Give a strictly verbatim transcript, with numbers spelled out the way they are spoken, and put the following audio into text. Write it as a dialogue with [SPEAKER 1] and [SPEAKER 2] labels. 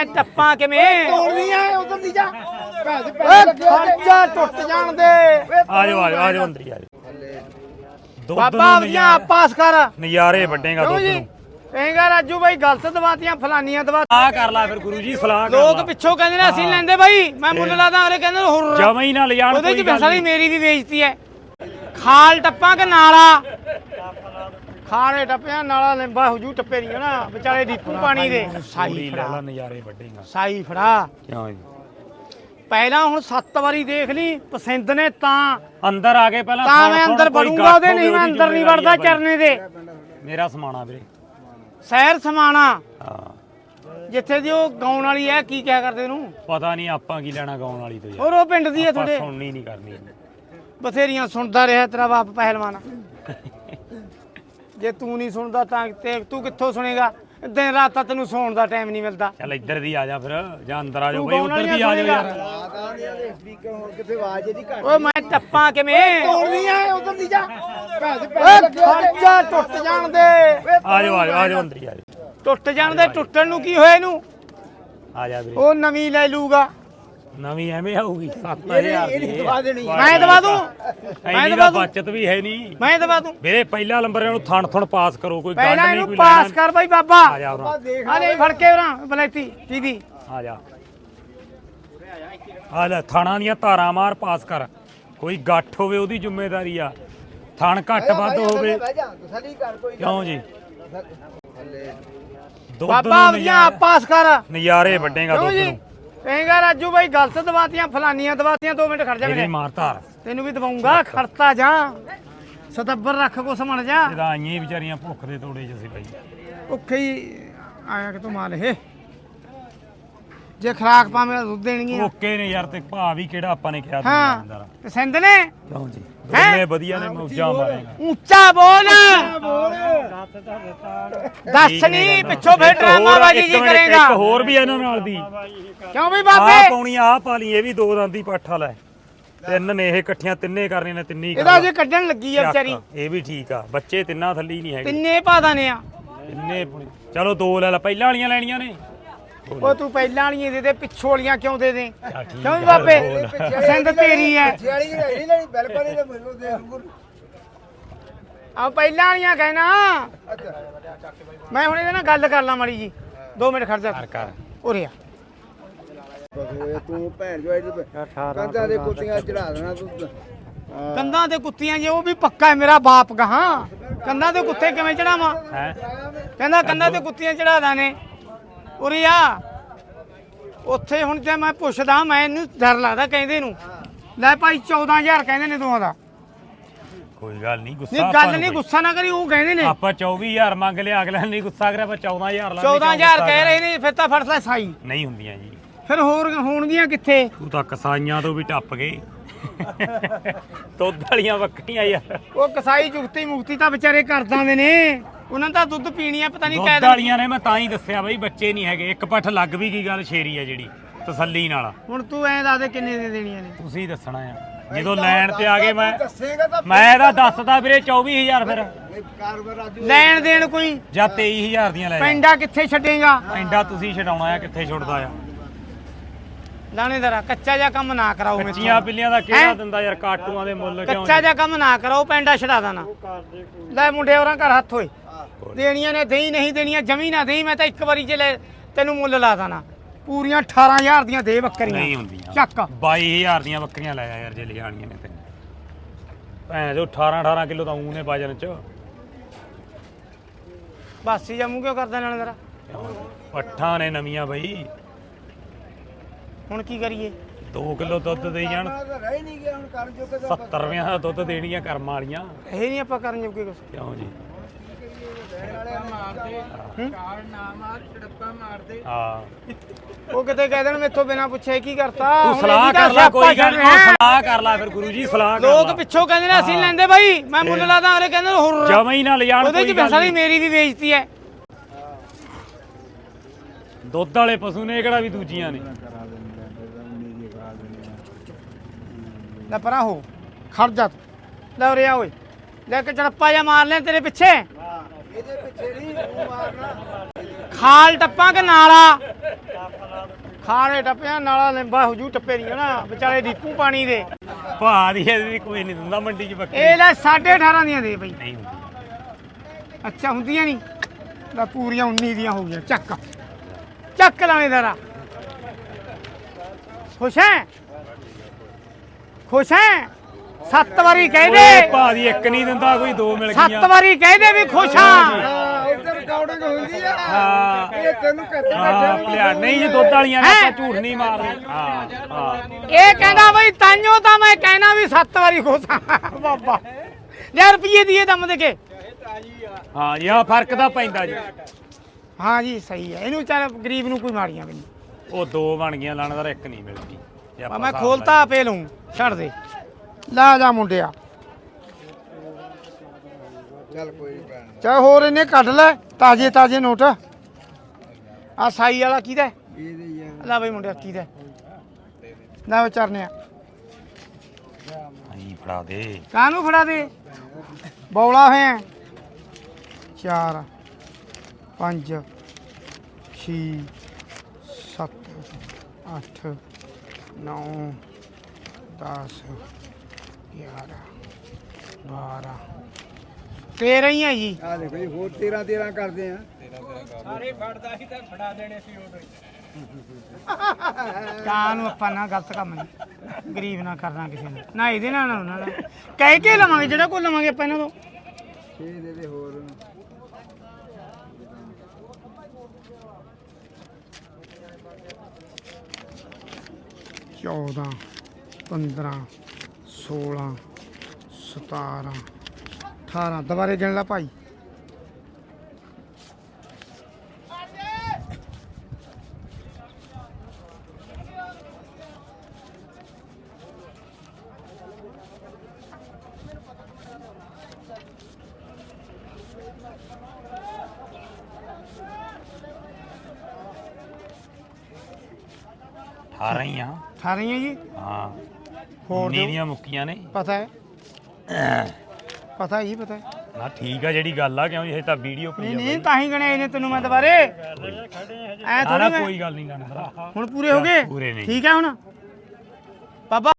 [SPEAKER 1] ਟੱਪਾਂ ਕਿਵੇਂ
[SPEAKER 2] ਤੋੜਨੀ ਆ ਉਧਰ ਦੀ ਜਾ
[SPEAKER 1] ਓਏ ਖਰਚਾ ਟੁੱਟ ਜਾਣ ਦੇ
[SPEAKER 3] ਆ ਜਾਓ ਆ ਜਾਓ ਆ ਜਾਓ ਅੰਦਰ ਹੀ ਆ ਜਾਓ
[SPEAKER 1] ਬਾਬਾ ਆਪਣੀਆਂ ਪਾਸ ਕਰ
[SPEAKER 3] ਨਜ਼ਾਰੇ ਵੱਡੇਗਾ ਦੁੱਧ ਨੂੰ
[SPEAKER 1] ਕਹੇਗਾ ਰਾਜੂ ਬਾਈ ਗਲਤ ਦਵਾਤੀਆਂ ਫਲਾਨੀਆਂ ਦਵਾ
[SPEAKER 3] ਆ ਕਰ ਲਾ ਫਿਰ ਗੁਰੂ ਜੀ ਸਲਾਹ ਕਰ
[SPEAKER 1] ਲੋਕ ਪਿੱਛੋਂ ਕਹਿੰਦੇ ਨੇ ਅਸੀਂ ਲੈਂਦੇ ਬਾਈ ਮੈਂ ਮੁੱਲ ਲਾਦਾ ਅਗਲੇ ਕਹਿੰਦੇ ਹੁਰ
[SPEAKER 3] ਜਮਾ ਹੀ ਨਾ ਲਿਜਾਣ
[SPEAKER 1] ਉਹਦੇ ਚ ਪੈਸਾ ਲਈ ਮੇਰੀ ਵੀ ਵੇਚਤੀ ਹੈ ਖਾਲ ਟੱਪਾਂ ਕਿ ਨਾਲਾ ਖਾਲੇ ਟੱਪਿਆਂ ਨਾਲਾ ਲੰਬਾ ਹੁਜੂ ਟੱਪੇ ਨਹੀਂ ਨਾ ਵਿਚਾਲੇ ਡੀਪੂ ਪਾਣੀ ਦੇ ਸਾਈ
[SPEAKER 3] ਲੈ ਲਾ
[SPEAKER 1] ਫੜਾ
[SPEAKER 3] ਨਜ਼ਾਰੇ ਵੱਡੇਗਾ
[SPEAKER 1] ਸਾਈ ਫੜਾ
[SPEAKER 3] ਕਿਉਂ ਜੀ
[SPEAKER 1] ਪਹਿਲਾਂ ਹੁਣ ਸੱਤ ਵਾਰੀ ਦੇਖ ਲਈ ਪਸੰਦ ਨੇ ਤਾਂ
[SPEAKER 3] ਅੰਦਰ ਆ ਕੇ ਪਹਿਲਾਂ
[SPEAKER 1] ਤਾਂ ਮੈਂ ਅੰਦਰ ਵੜੂੰਗਾ ਉਹਦੇ ਨਹੀਂ ਮੈਂ ਅੰਦਰ ਨਹੀਂ ਵੜਦਾ ਚਰਨੇ ਦੇ
[SPEAKER 3] ਮੇਰਾ ਸਮਾਣਾ ਵੀਰੇ
[SPEAKER 1] ਸ਼ਹਿਰ ਸਮਾਣਾ
[SPEAKER 3] ਹਾਂ
[SPEAKER 1] ਜਿੱਥੇ ਦੀ ਉਹ ਗਾਉਣ ਵਾਲੀ ਹੈ ਕੀ ਕਿਹਾ ਕਰਦੇ ਉਹਨੂੰ
[SPEAKER 3] ਪਤਾ ਨਹੀਂ ਆਪਾਂ ਕੀ ਲੈਣਾ ਗਾਉਣ ਵਾਲੀ ਤੋਂ ਯਾਰ
[SPEAKER 1] ਹੋਰ ਉਹ ਪਿੰਡ ਦੀ ਹੈ ਤੁਹਾਡੇ
[SPEAKER 3] ਸੁਣਨੀ ਨਹੀਂ ਕਰਨੀ
[SPEAKER 1] ਬਥੇਰੀਆਂ ਸੁਣਦਾ ਰਿਹਾ ਤੇਰਾ ਬਾਪ ਪਹਿਲਵਾਨ ਜੇ ਤੂੰ ਨਹੀਂ ਸੁਣਦਾ ਤਾਂ ਤੇ ਤੂੰ ਕਿੱਥੋਂ ਸੁਣੇਗਾ ਦਿਨ ਰਾਤ ਤਾਂ ਤੈਨੂੰ ਸੌਣ ਦਾ ਟਾਈਮ ਨਹੀਂ ਮਿਲਦਾ
[SPEAKER 3] ਚੱਲ ਇੱਧਰ ਦੀ ਆ ਜਾ ਫਿਰ ਜਾਂ ਅੰਦਰ ਆ ਜਾਓ
[SPEAKER 1] ਤੂੰ
[SPEAKER 3] ਬਈ
[SPEAKER 1] ਗਾਉਣ
[SPEAKER 3] ਉੱਧਰ ਦੀ ਆ
[SPEAKER 1] ਵਾਲੀਆਂ
[SPEAKER 3] ਜਾਓ ਯਾਰ
[SPEAKER 2] ਆਦਾਂ ਦੇ ਸਪੀਕਰ ਹੁਣ ਕਿਤੇ ਆਵਾਜ਼ ਇਹਦੀ ਘੱਟ
[SPEAKER 1] ਓਏ ਮੈਂ ਟੱਪਾਂ ਕਿਵੇਂ
[SPEAKER 2] ਤੋੜਨੀ ਆ ਉਧਰ ਦੀ ਜਾ
[SPEAKER 1] ਓਏ ਖਰਚਾ ਟੁੱਟ ਜਾਣ ਦੇ
[SPEAKER 3] ਆ ਜਾਓ ਆ ਜਾਓ ਆ ਜਾਓ ਅੰਦਰ ਹੀ ਆ ਜਾਓ
[SPEAKER 1] ਟੁੱਟ ਜਾਣ ਦੇ ਟੁੱਟਣ ਨੂੰ ਕੀ ਹੋਇਆ ਇਹਨੂੰ
[SPEAKER 3] ਆ ਜਾ ਵੀਰੇ
[SPEAKER 1] ਉਹ ਨਵੀਂ ਲੈ ਲੂਗਾ
[SPEAKER 3] ਨਵੀਂ ਐਵੇਂ ਆਊਗੀ ਸੱਤ
[SPEAKER 2] ਇਹਨੇ
[SPEAKER 3] ਹਜ਼ਾਰ
[SPEAKER 2] ਇਹਨੇ
[SPEAKER 3] ਦੀ
[SPEAKER 2] ਦਵਾ ਦੇਣੀ
[SPEAKER 1] ਮੈਂ ਦਵਾ ਦੂੰ ਮੈਂ
[SPEAKER 3] ਐਨੀ
[SPEAKER 1] ਦਵਾ
[SPEAKER 3] ਦਾ
[SPEAKER 1] ਦੂੰ
[SPEAKER 3] ਬਚਤ ਵੀ ਹੈ ਨਹੀਂ
[SPEAKER 1] ਮੈਂ ਦਵਾ ਦੂੰ
[SPEAKER 3] ਵੀਰੇ ਪਹਿਲਾ ਨੰਬਰ ਇਹਨੂੰ ਥਣ ਥਣ ਪਾਸ ਕਰੋ ਕੋਈ ਗੱਲ
[SPEAKER 1] ਪਹਿਲਾਂ
[SPEAKER 3] ਨਹੀਂ
[SPEAKER 1] ਇਹਨੂੰ
[SPEAKER 3] ਕੋਈ
[SPEAKER 1] ਪਾਸ
[SPEAKER 3] ਲੈਣਾ
[SPEAKER 1] ਕਰ ਬਾਈ ਬਾਬਾ
[SPEAKER 3] ਆ ਜਾ ਉਰਾਂ
[SPEAKER 2] ਦੇਖ
[SPEAKER 1] ਆ ਲੈ ਫੜ ਕੇ ਉਰਾਂ ਬਲੈਤੀ ਟੀਵੀ
[SPEAKER 3] ਆ ਜਾ ਆ ਲੈ ਥਾਣਾ ਦੀਆਂ ਧਾਰਾਂ ਮਾਰ ਪਾਸ ਕਰ ਕੋਈ ਗੱਠ ਹੋਵੇ ਉਹਦੀ ਜ਼ਿੰਮੇਵਾਰੀ ਆ ਥਣ ਘੱਟ ਵੱਧ ਹੋਵੇ
[SPEAKER 2] ਬਹਿ ਜਾ ਤਸੱਲੀ ਕਰ ਕੋਈ
[SPEAKER 3] ਕਿਉਂ ਜੀ ਦੁੱਧ
[SPEAKER 1] ਬਾਬਾ
[SPEAKER 3] ਨੂੰ
[SPEAKER 1] ਆਪਣੀਆਂ ਪਾਸ ਕਰ
[SPEAKER 3] ਨਜ਼ਾਰੇ ਵੱਡੇਗਾ
[SPEAKER 1] ਕਿਉਂ
[SPEAKER 3] ਦੁੱਧ
[SPEAKER 1] ਜੀ
[SPEAKER 3] ਨੂੰ
[SPEAKER 1] ਕਹੇਗਾ ਰਾਜੂ ਬਾਈ ਗਲਤ ਦਵਾਤੀਆਂ ਫਲਾਨੀਆਂ ਦਵਾਤੀਆਂ ਦੋ ਮਿੰਟ ਖੜ ਜਾ
[SPEAKER 3] ਇਹਦੇ
[SPEAKER 1] ਮੇਰੇ
[SPEAKER 3] ਮਾਰ ਧਾਰ
[SPEAKER 1] ਤੈਨੂੰ ਵੀ ਦਵਾਉਂਗਾ ਖੜਤਾ ਜਾ ਸਤੱਬਰ ਰੱਖ ਕੋ ਸਮਣ ਜਾ
[SPEAKER 3] ਇਹਦਾ ਆਈਆਂ ਵਿਚਾਰੀਆਂ ਭੁੱਖ ਦੇ ਤੋੜੇ ਚ ਸੀ ਬਾਈ
[SPEAKER 1] ਭੁੱਖੇ ਹੀ ਆਇਆ ਕਿ ਤੂੰ ਮਾਲ ਇਹ ਜੇ ਖਰਾਕ ਪਾਵੇਂ ਤਾਂ ਦੁੱਧ ਦੇਣਗੀਆਂ
[SPEAKER 3] ਓਕੇ ਨੇ ਯਾਰ ਤੇ ਭਾਅ ਵੀ ਕਿਹੜਾ ਆਪਾਂ ਨੇ ਕਿਹਾ
[SPEAKER 1] ਹਾਂ
[SPEAKER 3] ਦੁਕਾਨਦਾਰ
[SPEAKER 1] ਪਸੰਦ ਨੇ
[SPEAKER 3] ਕਿਉਂ ਜੀ ਦੋਨੇ ਵਧੀਆ ਨੇ ਮੌਜਾਂ ਮਾਰੇਗਾ
[SPEAKER 1] ਉੱਚਾ ਬੋਲ ਦੱਸ ਨਹੀਂ ਪਿੱਛੋਂ ਫੇਰ ਡਰਾਮਾ ਬਾਜੀ ਜੀ ਕਰੇਗਾ
[SPEAKER 3] ਇੱਕ ਹੋਰ ਵੀ ਇਹਨਾਂ ਨਾਲ ਦੀ
[SPEAKER 1] ਕਿਉਂ ਵੀ
[SPEAKER 3] ਆ
[SPEAKER 1] ਬਾਬੇ
[SPEAKER 3] ਪਾਉਣੀ ਆ ਪਾ ਲਈ ਇਹ ਵੀ ਦੋ ਦੰਦੀ ਪਾਠਾ ਲੈ ਤਿੰਨ ਨੇ ਇਹ ਇਕੱਠੀਆਂ ਤਿੰਨੇ ਕਰਨੇ ਨੇ ਤਿੰਨੇ ਹੀ
[SPEAKER 1] ਇਹਦਾ ਜੇ ਕੱਢਣ ਲੱਗੀ ਆ
[SPEAKER 3] ਚੱਕ,
[SPEAKER 1] ਵਿਚਾਰੀ
[SPEAKER 3] ਇਹ ਵੀ ਠੀਕ ਆ ਬੱਚੇ ਤਿੰਨਾਂ ਥੱਲੇ ਹੀ ਨਹੀਂ ਹੈਗੇ
[SPEAKER 1] ਤਿੰਨੇ ਪਾਦਾ ਨੇ ਆ
[SPEAKER 3] ਤਿੰਨੇ ਚਲੋ ਦੋ ਲੈ ਲੈ ਪਹਿਲਾਂ ਵਾਲੀਆਂ ਲੈਣੀਆਂ ਨੇ
[SPEAKER 1] ਉਹ ਤੂੰ ਪਹਿਲਾਂ ਵਾਲੀਆਂ ਦੇ ਦੇ ਪਿੱਛੋਂ ਵਾਲੀਆਂ ਕਿਉਂ ਦੇ ਦੇ
[SPEAKER 3] ਚੱਲ ਠੀਕ
[SPEAKER 1] ਕਿਉਂ ਵੀ
[SPEAKER 3] ਆ,
[SPEAKER 1] ਬਾਬੇ
[SPEAKER 3] ਬੋਲ।
[SPEAKER 1] ਪਸੰਦ ਤੇਰੀ ਹੈ
[SPEAKER 2] ਛਿਆਲੀ ਨਹੀਂ ਲੈਣੀ ਬਿਲਕੁਲ ਨਹੀਂ ਮੈਨੂੰ ਦੇ ਅੰਗੂਰ
[SPEAKER 1] ਆ ਪਹਿਲਾਂ ਵਾਲੀਆਂ ਕਹਿਣਾ ਮੈਂ ਹੁਣ ਇਹਦੇ ਨਾਲ ਗੱਲ ਕਰ ਲਾਂ ਮਾੜੀ ਜੀ ਦੋ ਮਿੰਟ ਖੜ ਜਾ
[SPEAKER 3] ਕਰ ਕਰ
[SPEAKER 1] ਉਰੇ ਆ
[SPEAKER 2] ਓਏ ਤੂੰ ਭੈਣ ਜੋ ਇਹਦੇ ਕੰਧਾਂ ਦੇ ਕੁੱਤੀਆਂ ਚੜਾ ਦੇਣਾ ਤੂੰ
[SPEAKER 1] ਕੰਧਾਂ ਤੇ ਕੁੱਤੀਆਂ ਜੇ ਉਹ ਵੀ ਪੱਕਾ ਹੈ ਮੇਰਾ ਬਾਪ ਗਾਹਾਂ ਕੰਧਾਂ ਤੇ ਕੁੱਤੇ ਕਿਵੇਂ ਚੜਾਵਾਂ
[SPEAKER 3] ਹੈ
[SPEAKER 1] ਕਹਿੰਦਾ ਕੰਧਾਂ ਤੇ ਕੁੱਤੀਆਂ ਚੜਾਦਾ ਨੇ ਉਰੇ ਆ ਉੱਥੇ ਹੁਣ ਜੇ ਮੈਂ ਪੁੱਛਦਾ ਮੈਨੂੰ ਡਰ ਲੱਗਦਾ ਕਹਿੰਦੇ ਨੂੰ ਲੈ ਭਾਈ ਚੌਦਾਂ ਹਜ਼ਾਰ ਕਹਿੰਦੇ ਨੇ ਦੋਹਾਂ ਦਾ
[SPEAKER 3] ਕੋਈ ਗੱਲ ਨਹੀਂ ਗੁੱਸਾ
[SPEAKER 1] ਨਹੀਂ
[SPEAKER 3] ਆਪਾਂ
[SPEAKER 1] ਗੱਲ
[SPEAKER 3] ਨੂੰ
[SPEAKER 1] ਨਹੀਂ
[SPEAKER 3] ਕੋਈ।
[SPEAKER 1] ਗੁੱਸਾ ਨਾ ਕਰੀ ਉਹ ਕਹਿੰਦੇ ਨੇ
[SPEAKER 3] ਆਪਾਂ ਚੌਵੀ ਹਜ਼ਾਰ ਮੰਗ ਲਿਆ ਅਗਲੇ ਨੇ ਨਹੀਂ ਗੁੱਸਾ ਕਰਿਆ ਆਪਾਂ ਚੌਦਾਂ ਹਜ਼ਾਰ ਲਾ
[SPEAKER 1] ਚੌਦਾਂ ਹਜ਼ਾਰ ਕਹਿ ਰਹੇ ਨੇ ਫਿਰ ਤਾਂ ਫੜ ਲੈ ਸਾਈ
[SPEAKER 3] ਨਹੀਂ ਹੁੰਦੀਆਂ ਜੀ
[SPEAKER 1] ਫਿਰ ਹੋਰ ਹੋਣਗੀਆਂ ਕਿੱਥੇ
[SPEAKER 3] ਤੂੰ ਤਾਂ ਕਸਾਈਆਂ ਤੋਂ ਵੀ ਟੱਪ ਗਏ ਦੁੱਧ ਵਾਲੀਆਂ ਬੱਕਰੀਆਂ ਯਾਰ
[SPEAKER 1] ਉਹ ਕਸਾਈ ਜੁਗਤੀ ਮੁਕਤੀ ਤਾਂ ਵਿਚਾਰੇ ਕਰਦਾਂ ਦੇ ਨੇ ਉਹਨਾਂ ਦਾ ਦੁੱਧ ਪੀਣੀ ਆ ਪਤਾ ਨਹੀਂ
[SPEAKER 3] ਦੁੱਧ
[SPEAKER 1] ਕਾਇਦਾ
[SPEAKER 3] ਵਾਲੀਆਂ ਨੇ ਮੈਂ ਤਾਂ ਹੀ ਦੱਸਿਆ ਬਈ ਬੱਚੇ ਨਹੀਂ ਹੈਗੇ ਇੱਕ ਪੱਠ ਲੱਗ ਵੀ ਗਈ ਗੱਲ ਸ਼ੇਰੀ ਆ ਜਿਹੜੀ ਤਸੱਲੀ ਨਾਲ
[SPEAKER 1] ਹੁਣ ਤੂੰ ਐਂ ਦੱਸ ਦੇ ਕਿੰਨੇ ਦੇ ਦੇਣੀਆਂ ਨੇ
[SPEAKER 3] ਤੁਸੀਂ ਦੱਸਣਾ ਆ ਜਦੋਂ ਲੈਣ ਤੇ ਆ ਗਏ ਮੈਂ
[SPEAKER 2] ਦੱਸੇਗਾ ਤਾਂ
[SPEAKER 3] ਮੈਂ ਇਹਦਾ ਦੱਸਦਾ ਵੀਰੇ ਚੌਵੀ ਹਜ਼ਾਰ ਫਿਰ
[SPEAKER 2] ਕਾਰੋਬਾਰ ਰਾਜੂ
[SPEAKER 1] ਲੈਣ ਦੇਣ ਕੋਈ
[SPEAKER 3] ਜਾਂ ਤੇਈ ਹਜ਼ਾਰ ਦੀਆਂ ਲੈ ਜਾ
[SPEAKER 1] ਪੈਂਡਾ ਕਿੱਥੇ ਛੱਡੇਗਾ
[SPEAKER 3] ਪੈਂਡਾ ਤੁਸੀਂ ਛਡਾਉਣਾ ਆ ਕਿੱਥੇ ਛੁੱਟਦਾ ਆ
[SPEAKER 1] ਲਾਣੇਦਾਰਾ ਕੱਚਾ ਜਿਹਾ ਕੰਮ ਨਾ ਕਰਾਓ ਮੇਰੇ
[SPEAKER 3] ਕੱਚੀਆਂ
[SPEAKER 1] ਤੋਂ।
[SPEAKER 3] ਪਿੱਲੀਆਂ ਦਾ ਕਿਹੜਾ
[SPEAKER 1] ਹੈਂ?
[SPEAKER 3] ਦਿੰਦਾ ਯਾਰ ਕਾਟੂਆਂ ਦੇ ਮੁੱਲ ਕਿਉਂ
[SPEAKER 1] ਕੱਚਾ ਜਿਹਾ ਕੰਮ ਨਾ ਕਰਾਓ ਪੈਂਡਾ ਛਡਾ ਦੇਣਾ ਲੈ ਮੁੰਡੇ ਹੋਰਾਂ ਘਰ ਹੱਥ ਹੋਏ ਦੇਣੀਆਂ ਨੇ ਦੇਈ ਨਹੀਂ ਦੇਣੀਆਂ ਜਮੀ ਨਾ ਦੇਈ ਮੈਂ ਤਾਂ ਇੱਕ ਵਾਰੀ ਚ ਲੈ ਤੈਨੂੰ ਮੁੱਲ ਲਾ ਦੇਣਾ ਪੂਰੀਆਂ ਅਠਾਰਾਂ ਹਜ਼ਾਰ ਦੀਆਂ ਦੇ ਬੱਕਰੀਆਂ
[SPEAKER 3] ਨਹੀਂ ਹੁੰਦੀਆਂ
[SPEAKER 1] ਚੱਕ
[SPEAKER 3] ਬਾਈ ਹਜ਼ਾਰ ਦੀਆਂ ਬੱਕਰੀਆਂ ਲੈ ਆ ਯਾਰ ਜੇ ਲਿਆਣੀਆਂ ਨੇ ਤੇ ਭੈਣ ਜੋ ਅਠਾਰਾਂ ਅਠਾਰਾਂ ਕਿਲੋ ਤਾਂ ਊਂ ਨੇ ਵਜਨ ਚ
[SPEAKER 1] ਬਾਸੀ ਜੰਮੂ ਕਿਉਂ ਕਰਦਾ ਲਾਣੇਦਾਰਾ
[SPEAKER 3] ਪੱਠਾਂ ਨੇ ਨਵੀਆਂ ਬਈ
[SPEAKER 1] ਹੁਣ ਕੀ ਕਰੀਏ
[SPEAKER 3] ਦੋ ਕਿਲੋ ਦੁੱਧ ਦੇਈ ਜਾਣ
[SPEAKER 2] ਤਾਂ ਰਹਿ ਨਹੀਂ ਗਿਆ ਹੁਣ ਕਰਨ ਜੋਗੇ ਤਾਂ
[SPEAKER 3] ਸੱਤਰ ਰੁਪਈਆਂ ਦਾ ਦੁੱਧ ਦੇਣੀਆਂ ਕਰਮਾਂ ਵਾਲੀਆਂ
[SPEAKER 1] ਇਹ ਨਹੀਂ ਆਪਾਂ ਕਰਨ ਜੋਗੇ ਕੁਛ
[SPEAKER 3] ਕਿਉਂ ਜੀ
[SPEAKER 2] ਕਾਰ ਨਾ ਮਾਰ ਛੜੱਪਾ ਮਾਰਦੇ
[SPEAKER 3] ਹਾਂ
[SPEAKER 1] ਉਹ ਕਿਤੇ ਕਹਿ ਦੇਣ ਮੈਥੋਂ ਬਿਨਾ ਪੁੱਛੇ ਕੀ ਕਰਤਾ
[SPEAKER 3] ਤੂੰ
[SPEAKER 1] ਹੁਣ
[SPEAKER 3] ਸਲਾਹ
[SPEAKER 1] ਇਹਦੀ ਤਾਂ
[SPEAKER 3] ਕਰ ਲੈ ਕੋਈ ਗੱਲ
[SPEAKER 1] ਸਿਆਪਾ
[SPEAKER 3] ਨਹੀਂ ਸਲਾਹ ਕਰ ਲੈ ਫਿਰ ਗੁਰੂ ਜੀ ਸਲਾਹ ਕਰ
[SPEAKER 1] ਲੋਕ
[SPEAKER 3] ਲੈ
[SPEAKER 1] ਪਿੱਛੋਂ ਕਹਿੰਦੇ ਨੇ ਅਸੀਂ ਲੈਂਦੇ ਬਾਈ ਮੈਂ ਮੁੱਲ ਲਾਦਾ ਅਗਲੇ ਕਹਿੰਦੇ ਹੁਰ
[SPEAKER 3] ਜਮਾ ਹੀ ਨਾ ਲਿਜਾਣ
[SPEAKER 1] ਉਹਦੇ ਚ
[SPEAKER 3] ਕੋਈ ਗੱਲ
[SPEAKER 1] ਪੈਸਾ ਲਈ
[SPEAKER 3] ਨਹੀਂ
[SPEAKER 1] ਮੇਰੀ ਵੀ ਵੇਚਤੀ ਹੈ
[SPEAKER 3] ਦੁੱਧ ਵਾਲੇ ਪਸ਼ੂ ਨੇ ਇਹ ਕਿਹੜਾ ਵੀ ਦੂਜੀਆਂ ਨੇ
[SPEAKER 1] ਲੈ ਪਰਾਂ ਹੋ ਖੜ ਜਾ ਲੈ ਉਰੇ ਆ ਓਏ ਲੈ ਕੇ ਚੜੱਪਾ ਜਾ ਮਾਰ ਲੈ ਤੇਰੇ ਪਿੱਛੇ
[SPEAKER 2] ਇਹਦੇ ਪਿੱਛੇ ਨਹੀਂ ਤੂੰ ਮਾਰਨਾ
[SPEAKER 1] ਖਾਲ ਟੱਪਾਂ ਕਿ ਨਾਲਾ ਖਾਣੇ ਟੱਪਿਆਂ ਨਾਲਾ ਲਿੰਬਾ ਹੁਜੂ ਟੱਪੇ ਨਹੀਂ ਨਾ ਵਿਚਾਲੇ ਡੀਪੂ ਪਾਣੀ ਦੇ
[SPEAKER 3] ਭਾਅ ਦੀ ਇਹਦੀ ਕੋਈ ਨਹੀਂ ਦਿੰਦਾ ਮੰਡੀ 'ਚ ਬੱਕਰੀ
[SPEAKER 1] ਇਹ ਲੈ ਸਾਢੇ ਅਠਾਰਾਂ ਦੀਆਂ ਦੇ ਬਈ
[SPEAKER 3] ਨਹੀਂ ਹੁੰਦੀ
[SPEAKER 1] ਅੱਛਾ ਹੁੰਦੀਆਂ ਨਹੀਂ ਲੈ ਪੂਰੀਆਂ ਉੱਨੀ ਦੀਆਂ ਹੋ ਗਈਆਂ ਚੱਕ ਚੱਕ ਲਾਣੇਦਾਰਾ ਖੁਸ਼ ਹੈ ਖੁਸ਼ ਹੈ ਸੱਤ ਵਾਰੀ ਕਹਿ
[SPEAKER 3] ਓਏ
[SPEAKER 1] ਦੇ
[SPEAKER 3] ਭਾਅ ਦੀ ਇੱਕ ਨਹੀਂ ਦਿੰਦਾ ਕੋਈ ਦੋ ਮਿਲ
[SPEAKER 1] ਸੱਤ
[SPEAKER 3] ਗਈਆਂ
[SPEAKER 1] ਵਾਰੀ ਕਹਿ ਦੇ ਵੀ ਖੁਸ਼ ਹਾਂ
[SPEAKER 2] ਹਾਂ ਉੱਧਰ ਰਿਕਾਰਡਿੰਗ ਹੁੰਦੀ ਆ
[SPEAKER 3] ਹਾਂ
[SPEAKER 2] ਇਹ ਤੈਨੂੰ ਕੱਟ
[SPEAKER 3] ਹਾਂ ਭਲਿਆ ਨਹੀਂ ਜੀ ਦੁੱਧ ਵਾਲੀਆਂ ਨੇ ਆਪਾਂ ਝੂਠ ਨਹੀਂ ਮਾਰਦੇ ਹਾਂ ਹਾਂ
[SPEAKER 1] ਇਹ ਕਹਿੰਦਾ ਬਈ ਤਾਈਓ ਤਾਂ ਮੈਂ ਕਹਿਣਾ ਵੀ ਸੱਤ ਵਾਰੀ ਖੁਸ਼ ਹਾਂ ਬਾਬਾ ਲੈ ਰੁਪਈਏ ਦੀਏ ਦਮ ਦੇ ਕੇ
[SPEAKER 3] ਹਾਂ ਜੀ ਆਹ ਫਰਕ ਤਾਂ ਪੈਂਦਾ ਜੀ
[SPEAKER 1] ਹਾਂ ਜੀ ਸਹੀ ਹੈ ਇਹਨੂੰ ਚੱਲ ਗਰੀਬ ਨੂੰ ਕੋਈ ਮਾੜੀਆਂ ਵੀ ਨਹੀਂ
[SPEAKER 3] ਉਹ ਦੋ ਬਣ ਗਈਆਂ ਲਾਣੇਦਾਰ ਇੱਕ ਨਹੀਂ ਮਿਲਦੀ ਜੇ ਆਪਾਂ
[SPEAKER 1] ਮੈਂ
[SPEAKER 3] ਹਿਸਾਬ
[SPEAKER 1] ਖੋਲਤਾ ਆਪੇ ਲਊਂ ਛੱਡ ਦੇ ਲੈ ਜਾ ਮੁੰਡਿਆ
[SPEAKER 2] ਚੱਲ ਕੋਈ ਨਹੀਂ ਭੈਣ
[SPEAKER 1] ਚਾਹ ਹੋਰ ਇਹਨੇ ਕੱਢ ਲੈ ਤਾਜੇ ਤਾਜੇ ਨੋਟ ਆ ਸਾਈ ਵਾਲਾ ਕਿਹਦਾ ਹੈ?
[SPEAKER 2] ਇਹਦੇ ਹੀ ਆ
[SPEAKER 1] ਲੈ ਬਈ ਮੁੰਡਿਆ ਕਿਹਦਾ ਹੈ? ਲੈ ਵਿਚਾਰਨੇ ਆ
[SPEAKER 3] ਆਈ ਫੜਾ ਦੇ
[SPEAKER 1] ਕਾਹਨੂੰ ਫੜਾ ਦੇ ਬੌਲਾ ਹੋਇਆ ਚਾਰ ਪੰਜ ਛੇ ਸੱਤ ਅੱਠ ਨੌ ਦਸ ਗਿਆਰਾਂ ਬਾਰਾਂ ਤੇਰਾਂ ਹੀ ਹੈ ਜੀ
[SPEAKER 2] ਆ ਦੇਖੋ ਜੀ ਹੋਰ ਤੇਰਾਂ ਤੇਰਾਂ ਕਰਦੇ ਆ
[SPEAKER 1] ਕਾਹਨੂੰ ਆਪਾਂ ਨਾ ਗਲਤ ਕੰਮ ਨਹੀਂ ਗਰੀਬ ਨਾ ਕਰਨਾ ਕਿਸੇ ਨੂੰ ਨਾ ਇਹਦੇ ਨਾਲ ਨਾ ਉਹਨਾਂ ਨਾਲ ਕਹਿ ਕੇ ਲਵਾਂਗੇ ਜਿਹੜਾ ਕੋਈ ਲਵਾਂਗੇ ਆਪਾਂ ਇਹਨਾਂ ਤੋਂ
[SPEAKER 2] ਛੇ ਦੇ ਦੇ ਹੋਰ
[SPEAKER 1] ਚੌਦਾਂ ਪੰਦਰਾਂ ਸੋਲਾਂ ਸਤਾਰਾਂ ਅਠਾਰਾਂ ਦੁਬਾਰੇ ਗਿਣ ਲੈ ਭਾਈ
[SPEAKER 3] ਅਠਾਰਾਂ ਹੀ ਆ
[SPEAKER 1] ਅਠਾਰਾਂ ਹੀ ਹੈ ਜੀ
[SPEAKER 3] ਹਾਂ
[SPEAKER 1] ਹੋਰ ਦਿਓ।
[SPEAKER 3] ਨੀਆਂ ਮੁੱਕੀਆਂ ਨੇ
[SPEAKER 1] ਪਤਾ ਹੈ ਪਤਾ ਹੈ ਜੀ ਪਤਾ ਹੈ
[SPEAKER 3] ਨਾ ਠੀਕ ਆ ਜਿਹੜੀ ਗੱਲ ਆ ਕਿਉਂ ਇਹ ਤਾਂ ਵੀਡੀਓ ਪਈ
[SPEAKER 1] ਨਹੀਂ
[SPEAKER 3] ਆ
[SPEAKER 1] ਨਹੀਂ ਤਾਂ ਹੀ ਗਣੇ ਨੇ ਤੈਨੂੰ ਮੈਂ ਦੁਬਾਰੇ ਐ
[SPEAKER 3] ਨਾ
[SPEAKER 1] ਥੋੜੀ
[SPEAKER 3] ਨਾ
[SPEAKER 1] ਮੈਂ
[SPEAKER 3] ਕੋਈ ਗੱਲ ਨਹੀਂ ਲਾਣੇਦਾਰ
[SPEAKER 1] ਹੁਣ ਪੂਰੇ ਹੋ ਗਏ
[SPEAKER 3] ਪੂਰੇ ਨਹੀਂ।
[SPEAKER 1] ਠੀਕ ਹੈ ਹੁਣ ਬਾਬਾ